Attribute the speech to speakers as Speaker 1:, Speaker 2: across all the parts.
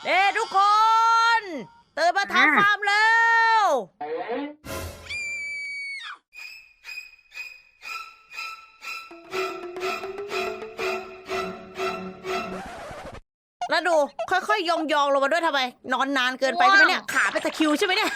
Speaker 1: ทุกคนตื่นมาทำฟาร์มแล้วแล้วดูค่อยๆยองๆลงมาด้วยทำไมนอนนานเกินไปใช่ไหมเนี่ยขาเป็นตะคริวใช่ไหมเนี่ย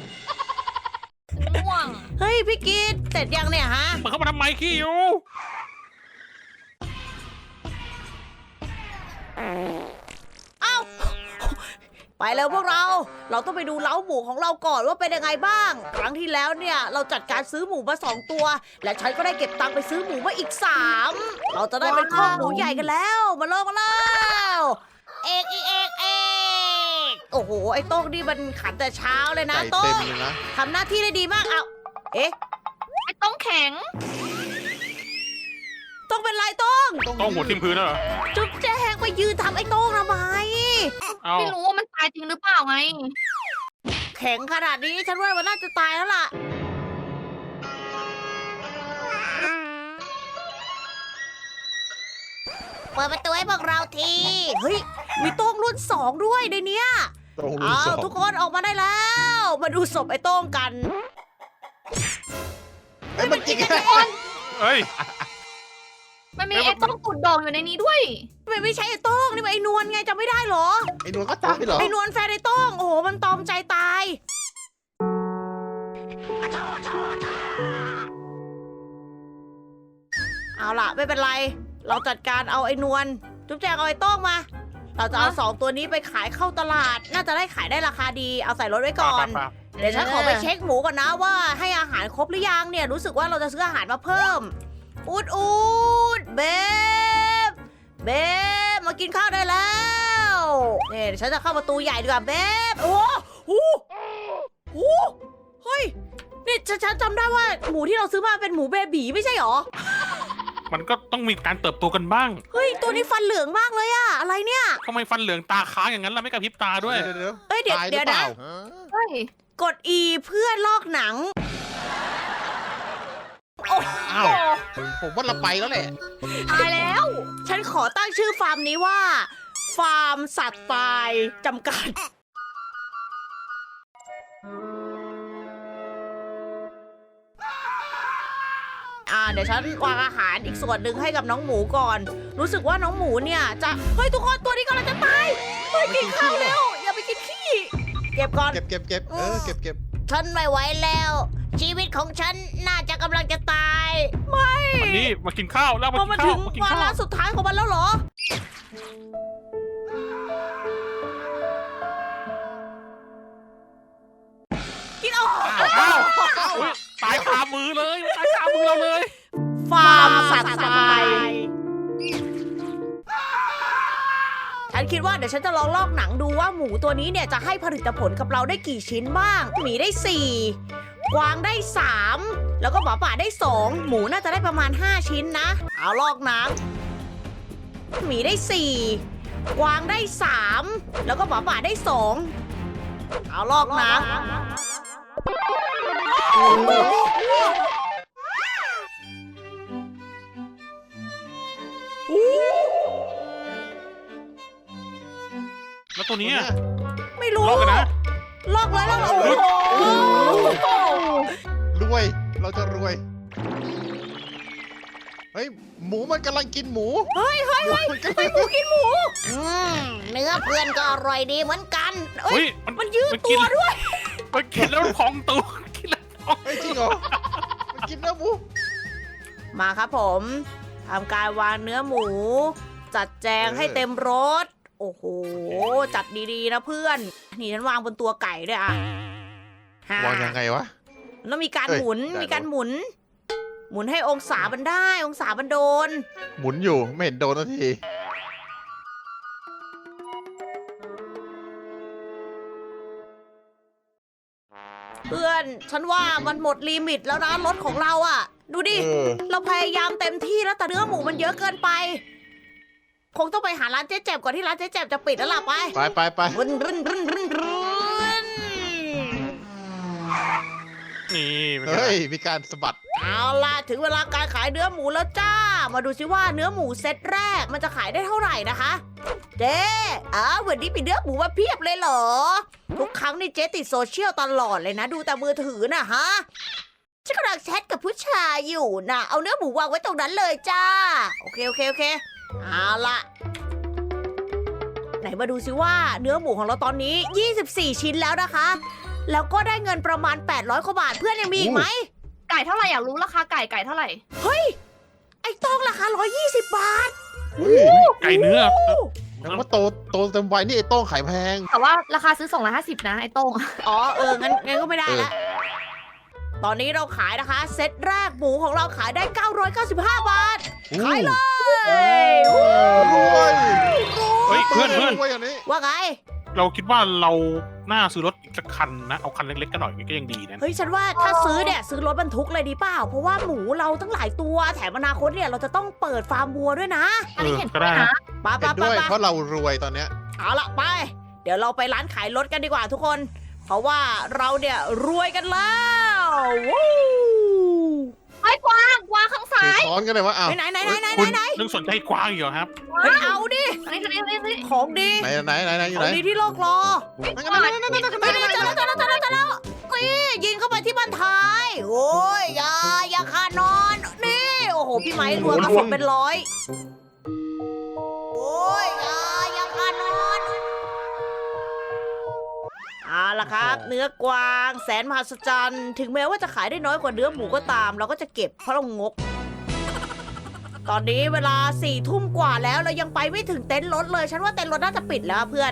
Speaker 2: ง่วง
Speaker 1: เฮ้ยพี่กีดเสร็จยังเนี่ยฮะ
Speaker 3: มันเข้ามาทำไมขี้อยู่
Speaker 1: เอ้าไปแล้วพวกเราต้องไปดูเล้าหมูของเราก่อนว่าเป็นยังไงบ้าง ครั้งที่แล้วเนี่ยเราจัดการซื้อหมูมา2 ตัว และฉันก็ได้เก็บตังค์ไปซื้อหมูมาอีก3เราจะได้เป็นครอบหมูใหญ่กันแล้วมาแล้วเอกโอ้โหไอ้โต้งนี่มันขันแต่เช้าเลยนะ
Speaker 4: ไก่
Speaker 1: โต้
Speaker 4: เต็ม
Speaker 1: ง
Speaker 4: เลยนะ
Speaker 1: ทำหน้าที่ได้ดีมากเอาเอ๊ะ
Speaker 2: ไอ้ต้องแข็ง
Speaker 1: ต้องเป็นไรโต้ง
Speaker 3: ต้องหัวทิ่มพื้นแล้วเหรอ
Speaker 1: จุ๊บแจ้งไปยืนทำไอ้โต้งทำไม
Speaker 3: เอา
Speaker 2: ไม่รู้ว่ามันตายจริงหรือเปล่าไง
Speaker 1: แข็งขนาดนี้ฉันว่ามันน่าจะตายแล้วล่ะ เปิดประตูให้พวกเราที เฮ้ย มีโต้งรุ่น2ด้วยในเนี้ย
Speaker 4: ตรงรุ่น
Speaker 1: เอา
Speaker 4: สอง
Speaker 1: ทุกคนออกมาได้แล้ว มาดูศพไอ้โต้งกัน
Speaker 4: เอ้ยมันจริง
Speaker 3: เอ้ย
Speaker 2: มันมีไอ้ต้องตุ่นดองอยู่ในนี้ด้วย
Speaker 1: ไม่ใช่ไอ้โต้งนี่มันไอ้นวลไงจำไม่ได้เหรอ
Speaker 4: ไอ้นวลก็ตายเหรอ
Speaker 1: ไอ้นวลแฟนไอ้โต้งโอ้โหมันตอมใจตาย เอาล่ะไม่เป็นไร เราจัดการเอาไอ้นวลจุ๊บแจงเอาไอ้โต้งมา เราจะเอา
Speaker 2: ฮะ
Speaker 1: 2 ตัวนี้ไปขายเข้าตลาด น่าจะได้ขายได้ราคาดี เอาใส่รถไว้ก่อน
Speaker 3: ปะ
Speaker 1: เดี๋ยวฉันขอไปเช็คหมูก่อนนะว่าให้อาหารครบหรือยังเนี่ยรู้สึกว่าเราจะซื้ออาหารมาเพิ่ม อูดเบบมากินข้าวได้แล้วเนี่ยเดี๋ยวฉันจะเข้าประตูใหญ่ดีกว่าเบบโอ้โหเฮ้ยนี่ฉันจำได้ว่าหมูที่เราซื้อมาเป็นหมูเบบีไม่ใช่หรอ
Speaker 3: มันก็ต้องมีการเติบโตกันบ้าง
Speaker 1: เฮ้ยตัวนี้ฟันเหลืองมากเลยอะอะไรเนี่ย
Speaker 3: ทำไมฟันเหลืองตาค้างอย่างนั้นล่ะไม่กระพริบตาด้วย
Speaker 4: เดี๋ยว
Speaker 1: เอ้ยเดี๋ยว
Speaker 4: ตายห
Speaker 1: เดี๋
Speaker 4: รื
Speaker 1: ยว
Speaker 4: อเป
Speaker 1: นะ
Speaker 4: ล่า
Speaker 2: เฮ้ย
Speaker 1: กด E เพื่อลอกหนัง
Speaker 4: อ้าวผมว่าเราไปแล้วแหละ
Speaker 2: ตายแล้ว
Speaker 1: ฉันขอตั้งชื่อฟาร์มนี้ว่า ฟาร์มสัตว์ตายจำกัด เดี๋ยวฉันวางอาหารอีกส่วนหนึ่งให้กับน้องหมูก่อน รู้สึกว่าน้องหมูเนี่ยจะ เฮ้ยทุกคนตัวนี้กำลังจะตาย เฮ้ยกินข้าวเร็ว อย่าไปกินขี้ เก็บก่อน
Speaker 4: เก็บเก็บ
Speaker 1: ฉันไม่ไหวแล้ว ชีวิตของฉันน่าจะกำลังจะตาย ไม่
Speaker 3: วันนี้มากินข้าวแล้ว
Speaker 1: พอ
Speaker 3: มา
Speaker 1: มา
Speaker 3: กิน
Speaker 1: ถึ
Speaker 3: ข้าว
Speaker 1: ง
Speaker 3: มากิน
Speaker 1: วา
Speaker 3: ข้าว
Speaker 1: ระสุดท้ายของมันแล้วเหรอ กินออก
Speaker 3: อ้าวอุ๊ยตายคามือเลยตายคามือเราเลย
Speaker 1: ฟาร์มสัตว์ตายฉันคิดว่าเดี๋ยวฉันจะลองลอกหนังดูว่าหมูตัวนี้เนี่ยจะให้ผลิตผลกับเราได้กี่ชิ้นบ้าง หมีได้ 4 กวางได้ 3 แล้วก็หมาป่าได้ 2 หมูน่าจะได้ประมาณ 5 ชิ้นนะ เอาลอกหนังหมีได้ 4 กวางได้ 3 แล้วก็หมาป่าได้ 2 เอาลอกหนัง
Speaker 3: แล้วตัวนี้อะ
Speaker 1: ไม่รู้
Speaker 3: ลอกกันนะ
Speaker 1: ลอกเลยลอกเลยโอ้โห
Speaker 4: รวย เราจะรวย เฮ้ย หมูมันกำลังกินหมู
Speaker 1: เฮ้ย
Speaker 4: มันกำลัง
Speaker 1: หมูกินหมูเนื้อเพื่อนก็อร่อยดีเหมือนกันเอ้
Speaker 3: เฮ้
Speaker 1: ย
Speaker 3: ย
Speaker 1: มันยืด
Speaker 3: มัน
Speaker 1: ตั
Speaker 3: กิน
Speaker 1: วด้วย
Speaker 3: มันกินแล้วพองตัวกินแล้วพอง
Speaker 4: เฮ้ยจริงเหรอ มันกินเนื้อหมู
Speaker 1: มาครับผมทำการวางเนื้อหมู จัดแจงให้เต็มรถ โอ้โห จัดดีๆนะเพื่อน นี่ฉันวางบนตัวไก่ด้วยอ่ะ
Speaker 4: วางยังไงวะ
Speaker 1: แล้วมีการ
Speaker 4: เอ้ย
Speaker 1: หมุน
Speaker 4: ได้
Speaker 1: มีการหมุน หมุนให้องศามันได้ องศามันโดน
Speaker 4: หมุนอยู่ไม่เห็นโดนนาที
Speaker 1: เพื่อน ฉันว่ามันหมดลิมิตแล้วนะรถของเราอ่ะ ดูดิ เราพยายามเต็มที่แล้วแต่เนื้อหมูมันเยอะเกินไป คงต้องไปหาร้านเจ๊แจ่มก่อนที่ร้านเจ๊แจ่มจะปิดแล้วล่ะไป
Speaker 4: ไป
Speaker 1: รุนรุนรุนรุนรุน
Speaker 3: นี่เป็นไง
Speaker 4: เฮ้ย มีการสะบัด
Speaker 1: เอาล่ะถึงเวลาการขายเนื้อหมูแล้วจ้า มาดูซิว่าเนื้อหมูเซตแรกมันจะขายได้เท่าไหร่นะคะเจ๊วันนี้มีเนื้อหมูมาเพียบเลยเหรอ ทุกครั้งนี่เจ๊ติดโซเชียลตลอดเลยนะ ดูแต่มือถือนะฮะ ฉันกำลังแชทกับผู้ชายอยู่นะ เอาเนื้อหมูวางไว้ตรงนั้นเลยจ้า โอเคเอาละไหนมาดูซิว่าเนื้อหมูของเราตอนนี้ 24 ชิ้นแล้วนะคะ แล้วก็ได้เงินประมาณ 800 กว่าบาท เพื่อนยังมีอีกไหม
Speaker 2: ไก่เท่าไหร่อยากรู้ราคาไก่เท่าไหร่
Speaker 1: ไอ้โต้งราคา 120 บาท
Speaker 4: อุ้ย
Speaker 3: ไก่เนื้อ
Speaker 4: แล้วว่าโตเต็มวัยนี่ไอ้โต้งขายแพง
Speaker 2: แต่ว่าราคาซื้อ250นะไอ้โต้ง
Speaker 1: อ๋องั้นก็ไม่ได้ละ ตอนนี้เราขายนะคะ เซตแรกหมูของเราขายได้ 995 บาท ขายเลย
Speaker 4: รวย
Speaker 3: เฮ้ยเพื่อน
Speaker 4: รวยอย่างนี้
Speaker 1: ว่าไง
Speaker 3: เราคิดว่าเราน่าซื้อรถอีกสักคันนะ เอาคันเล็กๆกันหน่อยก็ยังดีนะ
Speaker 1: เฮ้ยฉันว่าถ้าซื้อเนี่ยซื้อรถบรรทุกเลยดีเปล่า เพราะว่าหมูเราตั้งหลายตัวแถมอนาคตเนี่ยเราจะต้องเปิดฟาร์มวัวด้วยนะ
Speaker 2: อันนี้เห็น
Speaker 3: ก็
Speaker 2: ด้ว
Speaker 3: ได้
Speaker 2: ย
Speaker 3: นะ
Speaker 2: นะ
Speaker 1: ไป
Speaker 4: เห็นด้วยเพราะเรารวยตอนเนี้ย
Speaker 1: เอาละไป เดี๋ยวเราไปร้านขายรถกันดีกว่าทุกคน เพราะว่าเราเนี่ยรวยกันแล้ววู้
Speaker 2: ไอ้กวางข้างซ้า
Speaker 4: ถือย ค้อนกันเลยว่าอ้าว
Speaker 1: ไหน
Speaker 3: คุณนึกสนใจกว้างอยู่เหรอครับ
Speaker 1: เฮ้ยเอาดิ
Speaker 2: อันนี้
Speaker 1: ของดี
Speaker 4: ไหนอยู่
Speaker 1: ขอ
Speaker 4: ไหน
Speaker 1: งดีที่โลกรอ
Speaker 4: นั่นไง
Speaker 1: ไม่ได้เจอแล้วนี่ยิงเข้าไปที่บ้านท้าย โอ้ยอย่าคานอน นี่ โอ้โห พี่ไม้รวมกระสุนเป็นร้อย โอ้ยอย่าคานอนเอาล่ะครับ เนื้อกวางแสนมหัศจรรย์ถึงแม้ว่าจะขายได้น้อยกว่าเนื้อหมูก็ตาม เราก็จะเก็บเพราะเรางก ตอนนี้เวลา4 ทุ่มกว่าแล้วเรายังไปไม่ถึงเต็นท์รถเลย ฉันว่าเต็นท์รถน่าจะปิดแล้วเพื่อน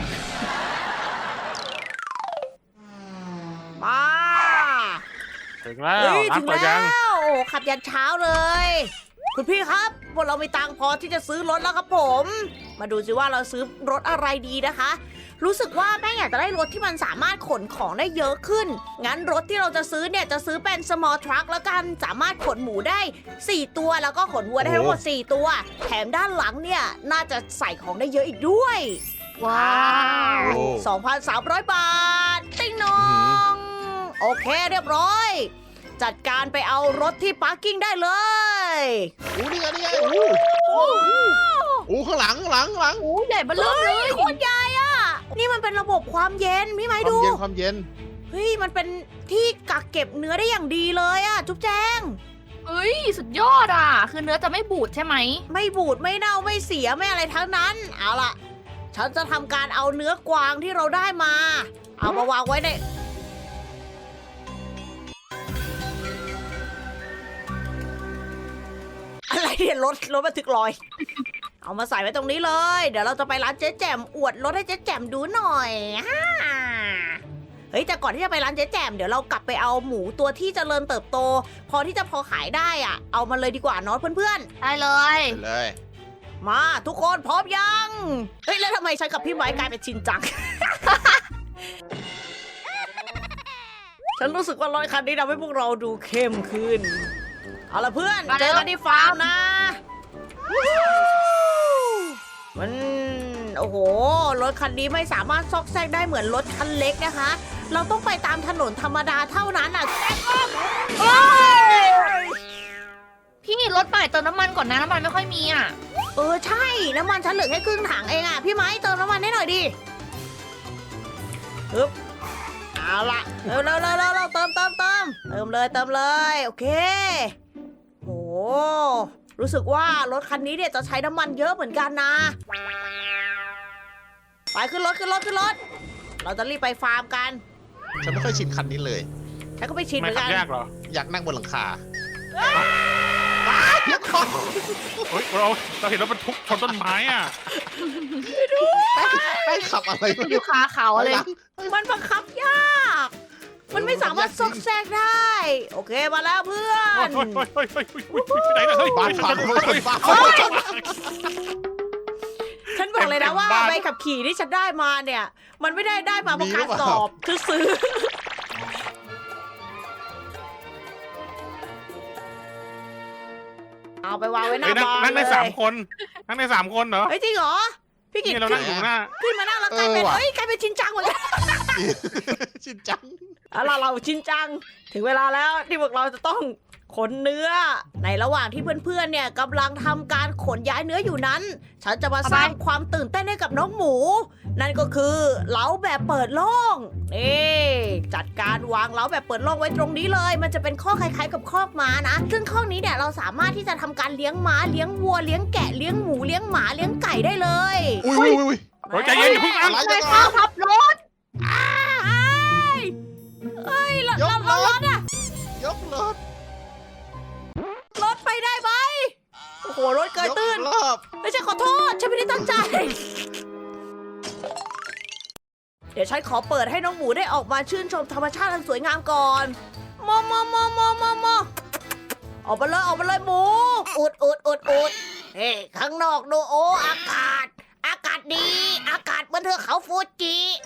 Speaker 1: มา
Speaker 3: ถึงแล้ว
Speaker 1: เฮ้ย
Speaker 3: ร้า
Speaker 1: ถึ
Speaker 3: น
Speaker 1: ง
Speaker 3: เปิด
Speaker 1: แล้
Speaker 3: ยัง
Speaker 1: วโอ้ขับยันเช้าเลย คุณพี่ครับพวกเรามีตังค์พอที่จะซื้อรถแล้วครับผม มาดูสิว่าเราซื้อรถอะไรดีนะคะ รู้สึกว่าแม่อยากจะได้รถที่มันสามารถขนของได้เยอะขึ้น งั้นรถที่เราจะซื้อเนี่ยจะซื้อเป็น small truck แล้วกัน สามารถขนหมูได้ 4 ตัว แล้วก็ขนวัวได้ทั้งหมด 4 ตัว แถมด้านหลังเนี่ยน่าจะใส่ของได้เยอะอีกด้วย
Speaker 2: ว้าว
Speaker 4: โอ้
Speaker 1: 2,300 บาท ติ๊งนอง โอเคเรียบร้อย จัดการไปเอารถที่พาร์กิ้งได้เลย
Speaker 4: นี่ไงข้างหลัง
Speaker 2: โอ้ใหญ่เบ้อเริ่มเลย
Speaker 1: โคตรใหญ่อะนี่มันเป็นระบบความเย็นพี่ไม้
Speaker 4: ความ
Speaker 1: ดู
Speaker 4: เย็นความเย็น
Speaker 1: เฮ้ย มันเป็นที่กักเก็บเนื้อได้อย่างดีเลยอะจุ๊บแจง
Speaker 2: เฮ้ยสุดยอดอ่ะ คือเนื้อจะไม่บูดใช่ไหม
Speaker 1: ไม่บูดไม่เน่าไม่เสียไม่อะไรทั้งนั้น เอาล่ะ ฉันจะทำการเอาเนื้อกวางที่เราได้มา เอามาวางไว้ใน อะไรเนี่ยรถบันทึกลอย เอามาใส่ไว้ตรงนี้เลย เดี๋ยวเราจะไปร้านเจ๊แจ่มอวดรถให้เจ๊แจ่มดูหน่อยฮ่าเฮ้ยแต่ก่อนที่จะไปร้านเจ๊แจ่มเดี๋ยวเรากลับไปเอาหมูตัวที่เจริญเติบโต พอที่จะพอขายได้อ่ะ เอามาเลยดีกว่าเนาะเพื่อน
Speaker 2: ได้เลย
Speaker 4: เลย
Speaker 1: ๆ มาทุกคนพร้อมยัง เฮ้ยแล้วทำไมฉันกับพี่ไม้กลายเป็นชินจัง ฉันรู้สึกว่ารถคันนี้ทำให้พวกเราดูเข้มขึ้น เอาละเพื่อนเจอกันที่ฟาร์มนะมันโอ้โหรถคันนี้ไม่สามารถซอกแซกได้เหมือนรถคันเล็กนะคะ เราต้องไปตามถนนธรรมดาเท่านั้นอ่ะโอ้ย
Speaker 2: พี่รถใหม่เติมน้ำมันก่อนนะน้ำมันไม่ค่อยมีอ่ะ
Speaker 1: ใช่น้ำมันฉันเหลือแค่ครึ่งถังเองอ่ะพี่ไม้เติมน้ำมันให้หน่อยดิฮึบเอาละเร็วเติมเลยโอเคโอ้รู้สึกว่ารถคันนี้เนี่ยจะใช้น้ำมันเยอะเหมือนกันนะไปขึ้นรถเราจะรีบไปฟาร์มกัน
Speaker 4: ฉันไม่ค่อยชินคันนี้เลย
Speaker 1: ฉันก็ไปชิมเห
Speaker 3: ไม่
Speaker 1: มือน
Speaker 3: ขั
Speaker 1: กับ น
Speaker 3: ยากเหรอ
Speaker 4: อยากนั่งบนหลังคา
Speaker 3: เฮ้ยเราเห็นรถบรรทุกชนต้นไม้อ่ะ
Speaker 4: แป้งขับอะไรวะ
Speaker 2: อยู่คาเขาเลย
Speaker 1: มันบังคับยาก มันไม่สามารถซอกแซกได้ โอเคมาแล้วเพื่อน
Speaker 3: เฮ้ยไปไหนล่ะเฮ้ย
Speaker 4: บ้านพังบ้าน
Speaker 1: ฉันบอกเลยนะว่า
Speaker 3: เต็มบ้าน
Speaker 1: ใบขับขี่ที่ฉันได้มาเนี่ย มันไม่ได้มาเพราะการสอบคือซื้อ เอาไปวางไว้หน้าบ้าน
Speaker 3: นั่งได้
Speaker 1: เลย
Speaker 3: 3 คนนั่งได้3 คนเหรอ
Speaker 1: เฮ้ยจริงเหรอ พี่กิต
Speaker 3: นี่เรา
Speaker 1: ขึ้
Speaker 3: นั่
Speaker 1: น
Speaker 3: งอยู่หน้า
Speaker 1: ขึ้นมานั่งแล้วกลายเป็นกลายเป็นชินจังหมดเลย
Speaker 4: ชินจัง
Speaker 1: เอาล่ะเราชินจัง ถึงเวลาแล้วที่พวกเราจะต้องขนเนื้อ ในระหว่างที่เพื่อนๆเนี่ยกำลังทำการขนย้ายเนื้ออยู่นั้น ฉันจะมาสร้างความตื่นเต้นให้กับน้องหมู นั่นก็คือเล้าแบบเปิดโล่งนี่จัดการวางเล้าแบบเปิดโล่งไว้ตรงนี้เลย มันจะเป็นข้อคล้ายๆกับคอกม้านะ ซึ่งข้อกนี้เนี่ยเราสามารถที่จะทำการเลี้ยงม้าเลี้ยงวัวเลี้ยงแกะเลี้ยงหมูเลี้ยงหมาเลี้ยงไก่ได้เลย
Speaker 4: อุ้ย
Speaker 3: เฮ้ยใจเย็นอย่าเพิ่ง
Speaker 4: อะไร
Speaker 3: อัน
Speaker 4: กัน
Speaker 2: ข้าวทับรถ
Speaker 4: ยกรถยกรถ
Speaker 1: รถไปได้ไหมโอ้โหรถเกยตื้น
Speaker 4: ยกรอบ
Speaker 1: ไม่ใช่ขอโทษฉันไม่ได้ตั้งใจ เดี๋ยวฉันขอเปิดให้น้องหมูได้ออกมาชื่นชมธรรมชาติอันสวยงามก่อนมอออกมาเลยหมูอุดเฮ้ข้างนอกดูโออากาศดี อากาศเหมือนเทือกเขาฟูจิ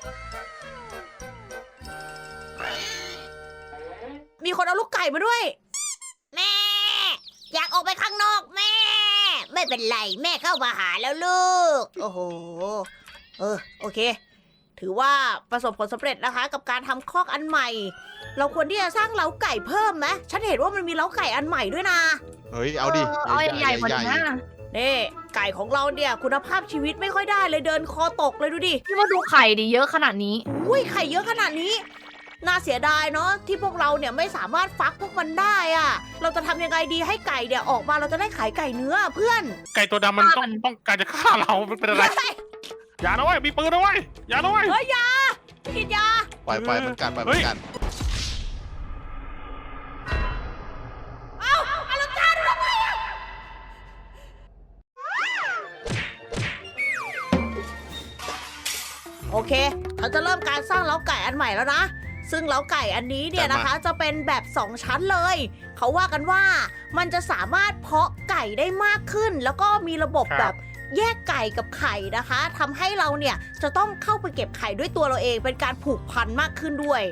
Speaker 1: มีคนเอาลูกไก่มาด้วย แม่ อยากออกไปข้างนอกแม่ ไม่เป็นไรแม่เข้ามาหาแล้วลูก โอ้โห โอเค ถือว่าประสบผลสำเร็จนะคะ กับการทำคอกอันใหม่ เราควรที่จะสร้างเล้าไก่เพิ่มไหมฉันเห็นว่ามันมีเล้าไก่อันใหม่ด้วยนะ
Speaker 4: เฮ้ยเอาดิ
Speaker 2: เอาใหญ่ๆกว่านี้นะ
Speaker 1: นี่ไก่ของเราเนี่ยคุณภาพชีวิตไม่ค่อยได้เลยเดินคอตกเลยดูดิ
Speaker 2: พี่ว่าดูไข่ดิเยอะขนาดนี้
Speaker 1: อุ้ยไข่เยอะขนาดนี้ น่าเสียดายเนาะที่พวกเราเนี่ยไม่สามารถฟักพวกมันได้อะเราจะทำยังไงดีให้ไก่เนี่ยออกมาเราจะได้ขายไก่เนื้อเพื่อน
Speaker 3: ไก่ตัวดำมันต้องการจะฆ่าเรามันเป็นอะไร อย่านะเว้ยมีปืนนะเว้ยอย่านะเว้ย
Speaker 1: เฮ้ยยากินยา
Speaker 4: ปล่อยเหมือนกันปล่อยเหมือนกัน
Speaker 1: อลังการทำไมอะโอเคเราจะเริ่มการสร้างเล้าไก่อันใหม่แล้วนะ ซึ่งเล้าไก่อันนี้เนี่ยนะคะ จะเป็นแบบ2ชั้นเลย เขาว่ากันว่ามันจะสามารถเพาะไก่ได้มากขึ้น แล้วก็มีระบบแบบแยกไก่กับไข่นะคะทำให้เราเนี่ยจะต้องเข้าไปเก็บไข่ด้วยตัวเราเองเป็นการผูกพันมากขึ้นด้วย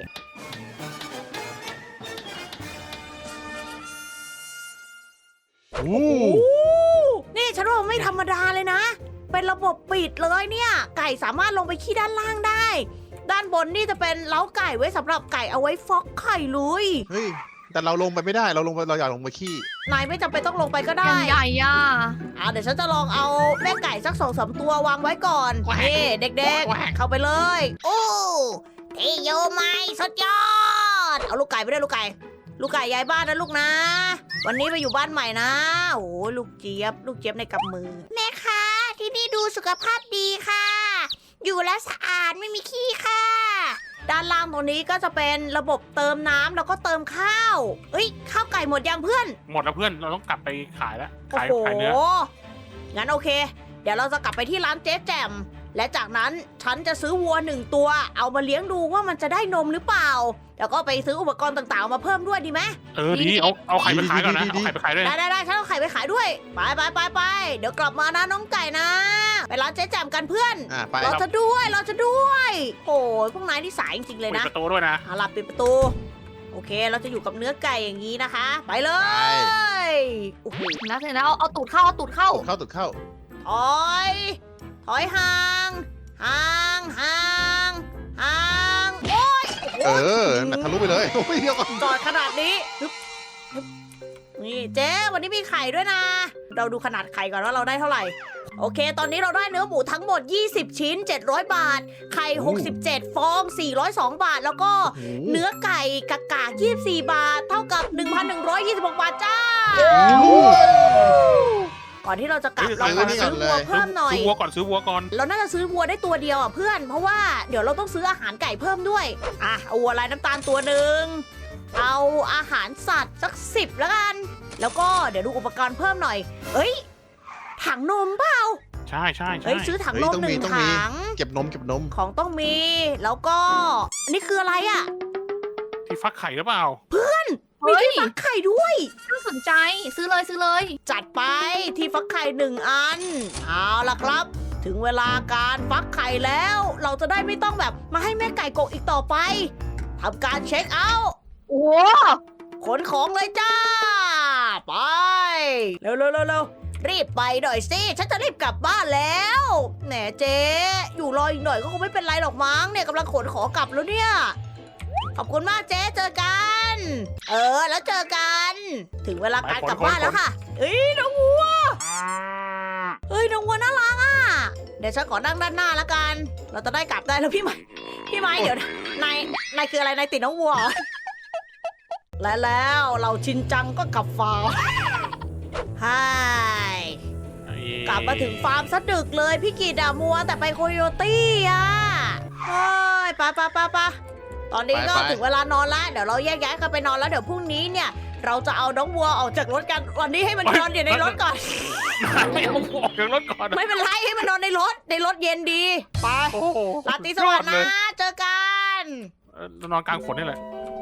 Speaker 1: นี่ฉันว่ามันไม่ธรรมดาเลยนะ เป็นระบบปิดเลยเนี่ย ไก่สามารถลงไปขี้ด้านล่างได้ ด้านบนนี่จะเป็นเล้าไก่ไว้สำหรับไก่เอาไว้ฟอกไข่เลย
Speaker 4: เฮ้ยแต่เราลงไปไม่ได้เราอยากลงไปขี้
Speaker 1: นายไม่จำเป็นต้องลงไปก็
Speaker 2: ยั
Speaker 1: ได้
Speaker 2: งใหญ่ย่ะ
Speaker 1: เดี๋ยวฉันจะลองเอาแม่ไก่สัก2-3 ตัววางไว้ก่อนนี่เด็กๆ เข้าไปเลย โอ้เทโยไม้สุดยอด เอาลูกไก่ไปด้วยลูกไก่ ลูกไก่ย้ายบ้านนะลูกนะ วันนี้ไปอยู่บ้านใหม่นะ โอ้ลูกเจี๊ยบในกำมือ แม่คะที่นี่ดูสุขภาพดีค่ะ อยู่แล้วสะอาดไม่มีขี้ค่ะ ด้านล่างตรงนี้ก็จะเป็นระบบเติมน้ำแล้วก็เติมข้าวเอ้ยข้าวไก่หมดยังเพื่อน
Speaker 3: หมดแล้วเพื่อนเราต้องกลับไปขายแล้ว
Speaker 1: โอ้
Speaker 3: ขาย
Speaker 1: โห
Speaker 3: เนื้อ
Speaker 1: งั้นโอเค เดี๋ยวเราจะกลับไปที่ร้านเจ๊แจ่ม และจากนั้นฉันจะซื้อวัว1 ตัว เอามาเลี้ยงดูว่ามันจะได้นมหรือเปล่า แล้วก็ไปซื้ออุปกรณ์ต่างๆมาเพิ่มด้วยดีไหม
Speaker 3: ดีเอาไข่ไปขายก่อนนะเอาไข่ไปขายด้วย
Speaker 1: ได้ฉันเอาไข่ไปขายด้วย ไปเดี๋ยวกลับมานะน้องไก่นะ ไปร้านเจ๊แจ่มกันเพื่อน
Speaker 4: ไป
Speaker 1: เราจะด้วยโอ้ยพวกนายนี่สายจริงๆเลย
Speaker 3: ปิด
Speaker 1: นะ
Speaker 3: ประตูด้วยนะ
Speaker 1: เอาล่ะปิดประตู โอเค เราจะอยู่กับเนื้อไก่อย่างนี้นะคะ ไปเลย โอ้โห
Speaker 2: นะเสร็จแล้วเอาตูดเข้า
Speaker 4: ตุดเข้า
Speaker 1: ถอยห่างโอ้ย
Speaker 4: ทะลุไปเลยโอ้ยเดี๋ยวก่อน
Speaker 1: จอดขนาดนี้ฮึบนี่เจ๊วันนี้มีไข่ด้วยนะ เราดูขนาดไข่ก่อนว่าเราได้เท่าไหร่ โอเค ตอนนี้เราได้เนื้อหมูทั้งหมด20 ชิ้น700 บาท ไข่67 ฟอง402 บาท แล้วก็เนื้อไก่กากา24 บาท เท่ากับ 1,126 บาทจ้า ก่อนที่เราจะกลับเราขอซื้อวัวเพิ่มหน่อย
Speaker 3: ซื้อวัวก่อน
Speaker 1: เราน่าจะซื้อวัวได้ตัวเดียวอ่ะเพื่อน เพราะว่าเดี๋ยวเราต้องซื้ออาหารไก่เพิ่มด้วย เอาวัวลายน้ำตาลตัวหนึ่ง เอาอาหารสัตว์สัก10แล้วกัน แล้วก็เดี๋ยวดูอุปกรณ์เพิ่มหน่อย เอ้ย ถังนมเปล่า
Speaker 3: ใช่
Speaker 1: เฮ้ยซื้อถังนม1 ถัง
Speaker 4: เก็บนม
Speaker 1: ของต้องมี แล้วก็อันนี้คืออะไรอ่ะ
Speaker 3: ที่ฟักไข่หรือเปล่า
Speaker 1: มีที่ฟักไข่ด้วย
Speaker 2: น่าสนใจซื้อเลย
Speaker 1: จัดไปที่ฟักไข่1 อัน เอาล่ะครับ ถึงเวลาการฟักไข่แล้ว เราจะได้ไม่ต้องแบบมาให้แม่ไก่กกอีกต่อไปทำการเช็คเอาท์
Speaker 2: โอ้
Speaker 1: ขนของเลยจ้า ไป เร็วรีบไปหน่อยสิ ฉันจะรีบกลับบ้านแล้วแหมเจ๊อยู่รออีกหน่อยก็คงไม่เป็นไรหรอกมั้งเนี่ยกำลังขนของกลับแล้วเนี่ยอบคุณมากเจ๊เจอกัน แล้วเจอกัน ถึงเวลาการกลับบ้านแล้วค่ะเอ้ยน้องวัวเฮ้ยน้องวัวน่ารักอ่ะเดี๋ยวฉันขอนั่งด้านหน้าแล้วกัน เราจะได้กลับได้แล้วพี่ไม้เดี๋ยวนายคืออะไรนายติดน้องวัวเหรอและแล้วเราชินจังก็กลับฟาร์มไฮกลับมาถึงฟาร์มซะดึกเลยพี่กีดามัวแต่ไปโคโยตี้อ่ะเฮ้ยไปตอนนี้ก็ถึงเวลานอนแล้วเดี๋ยวเราแยกย้ายกันไปนอนแล้วเดี๋ยวพรุ่งนี้เนี่ย เราจะเอาน้องวัวออกจากรถกันวันนี้ให้มันนอนอยู่ในรถก่อน
Speaker 3: ไม่เอาออกจากรถก่อน
Speaker 1: ไม่เป็นไรให้มันนอนในรถเย็นดีไป
Speaker 3: โอ้โห
Speaker 1: ราตรีสวัสดิ์นะเจอกัน
Speaker 3: นอนกลางฝนนี่แหละ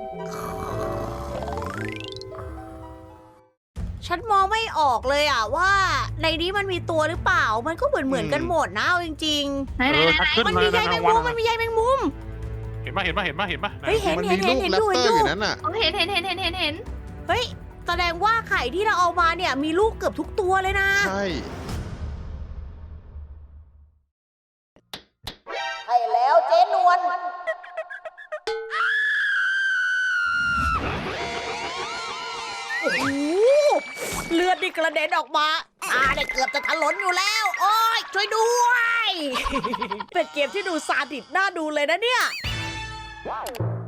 Speaker 1: ฉันมองไม่ออกเลยอ่ะว่าในนี้มันมีตัวหรือเปล่ามันก็เหมือนกันหมดนะเอาจริง
Speaker 2: ไหน
Speaker 3: ชักขึ้น
Speaker 1: ๆมัน
Speaker 3: มา
Speaker 1: มีใย
Speaker 3: ใน
Speaker 1: แม
Speaker 3: กลาง
Speaker 1: ง
Speaker 3: วัน
Speaker 1: มุมมันมีใยแมงมุม
Speaker 3: เห็นปะ
Speaker 1: เฮ้ยเห็น
Speaker 4: มัน
Speaker 1: เห็
Speaker 4: มี
Speaker 1: น
Speaker 4: ลูก
Speaker 1: เห็น
Speaker 4: แร
Speaker 1: อ
Speaker 4: ป
Speaker 1: ยู่
Speaker 4: เตอ
Speaker 1: เห็นอยู่
Speaker 4: ร์อยู่นั่นน่ะ
Speaker 2: เห็น
Speaker 1: เฮ้ยแสดงว่าไข่ที่เราเอามาเนี่ยมีลูกเกือบทุกตัวเลยนะ
Speaker 4: ใช่
Speaker 1: ใช่แล้วเจ๊นวลโอ้โหเลือดนี่กระเด็นออกมาเนี่ยเกือบจะถลนอยู่แล้ว โอ้ยช่วยด้วย เป็นเกมที่ดูซาดิสน่าดูเลยนะเนี่ย